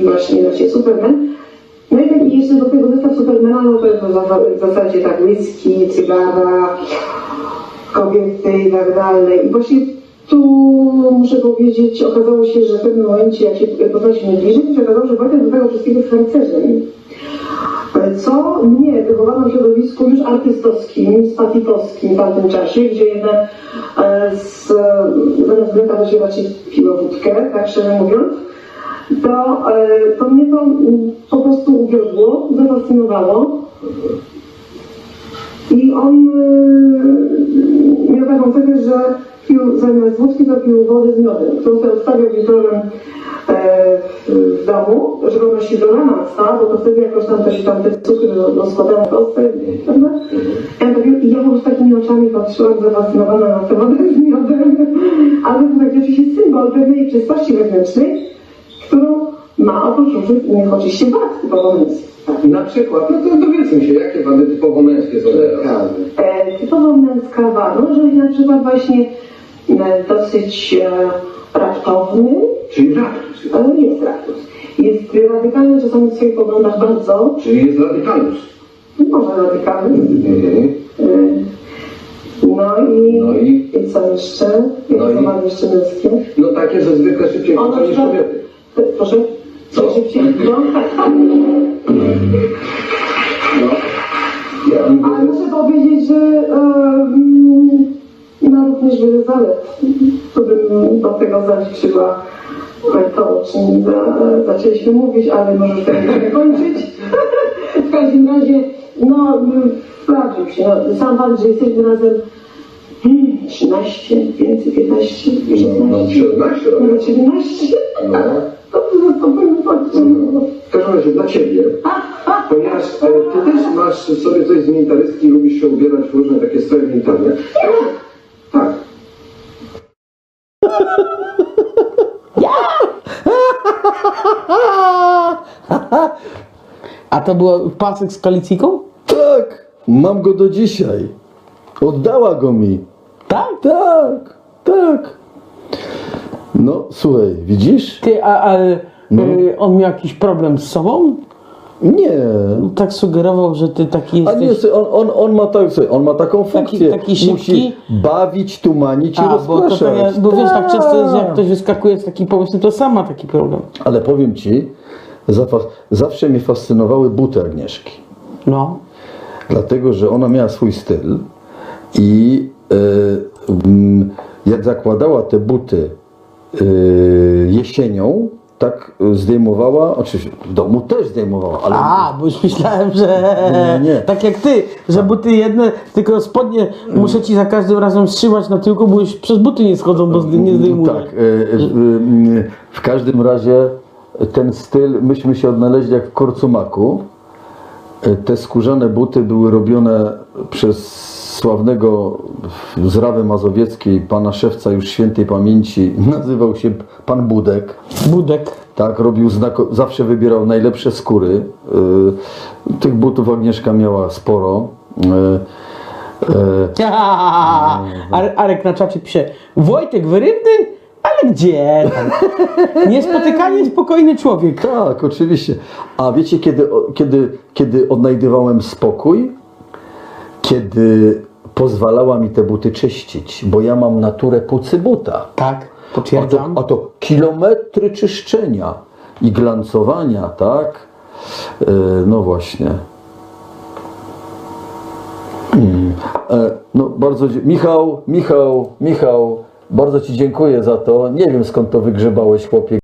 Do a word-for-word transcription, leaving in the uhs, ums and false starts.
właśnie, właśnie Superman. No i taki jeszcze do tego zestaw Supermana, no to jest w zasadzie tak whisky, cygara, kobiety i tak dalej. I właśnie tu muszę powiedzieć, okazało się, że w pewnym momencie, jak się poznaliśmy bliżej, to się okazało, że Wojtek do tego wszystkiego jest harcerzem. Co mnie wychowano w środowisku już artystowskim, spatitowskim w tamtym czasie, gdzie jednak z, zamiast mleka to się raczej piło wódkę, tak szczerze mówiąc, to, to mnie to po prostu uwiodło, zafascynowało. I on miał taką cechę, że pił zamiast wódki, to pił wodę z miodem, którą sobie odstawiał wieczorem w domu, żeby ona się do rana stała, bo to wtedy jakoś tam to się tam te cukry rozkładają w kostce, prawda? I ja po prostu takimi oczami patrzyłam, zafascynowana na tę wodę z miodem, ale to taki oczywiście symbol pewnej czystości wewnętrznej, którą ma oprócz różnych innych oczywiście wad typowo męskich. Na przykład, no to dowiedzmy się, jakie wady typowo męskie są teraz? E, typowo męska wada, no, że na przykład właśnie e, dosyć e, raptowny. Czyli raktus. E, jest raptus. Jest radykalny czasami w swoich poglądach bardzo. Czyli jest radykalus. Może radykalny. Mhm. E, no i, no i i co jeszcze? No co i mamy jeszcze męskie? No takie, że zwykle szybciej Ono niż kobiety. Proszę? Co? Szybciej. No. No. Ja Ale muszę powiedzieć, że um, ma również wiele zalet. To bym do tego zaliczyła to, o czym za, zaczęliśmy mówić, ale może już tego nie kończyć. W każdym razie, no, sprawdził się. No, sam fakt, że jesteśmy razem hmm, trzynaście, więcej, piętnaście, No, siedemnaście no, nawet siedemnaście. No. To to powiem powiedzieć. W każdym razie dla Ciebie, ponieważ e, Ty też masz w sobie coś z militarystki, lubisz się ubierać w różne takie stroje militarne. Tak. A to był pasek z koalicją? Tak, mam go do dzisiaj. Oddała go mi. Tak? Tak, tak. No, słuchaj, widzisz? Ty, a, a No. y, on miał jakiś problem z sobą? Nie. Tak sugerował, że ty taki A jesteś... nie, słuchaj, on, on, on, ma tak, słuchaj, on ma taką funkcję. taki szybki? Musi bawić, tumanić i A, bo, to, rozpraszać. to ja, bo wiesz, tak często jest, że jak ktoś wyskakuje z takim pomysłem, to sam ma taki problem. Ale powiem Ci, zafa- zawsze mnie fascynowały buty Agnieszki. No. Dlatego, że ona miała swój styl i e, mm, jak zakładała te buty e, jesienią, tak zdejmowała, oczywiście w domu też zdejmowała, ale A, bo już myślałem, że Nie, nie. tak jak ty, że buty jedne, tylko spodnie muszę ci za każdym razem trzymać na tyłku, bo już przez buty nie schodzą, bo zdy- nie zdejmuję. tak, e, e, w każdym razie ten styl, myśmy się odnaleźli jak w Korcumaku. E, Te skórzane buty były robione przez sławnego z Rawy Mazowieckiej, pana szewca już świętej pamięci, nazywał się pan Budek. Budek. Tak, robił znako- zawsze wybierał najlepsze skóry. E, Tych butów Agnieszka miała sporo. E, e, Are- Arek na czacie pisze, Wojtek wyrywny? Ale gdzie tam? Niespotykanie spokojny człowiek. Tak, oczywiście. A wiecie, kiedy, kiedy, kiedy odnajdywałem spokój? Kiedy pozwalała mi te buty czyścić, bo ja mam naturę pucy buta. Tak, A to, potwierdzam. a to kilometry czyszczenia i glancowania, tak? E, no właśnie. Hmm. E, no bardzo, dzie- Michał, Michał, Michał, bardzo Ci dziękuję za to. Nie wiem, skąd to wygrzebałeś, chłopie.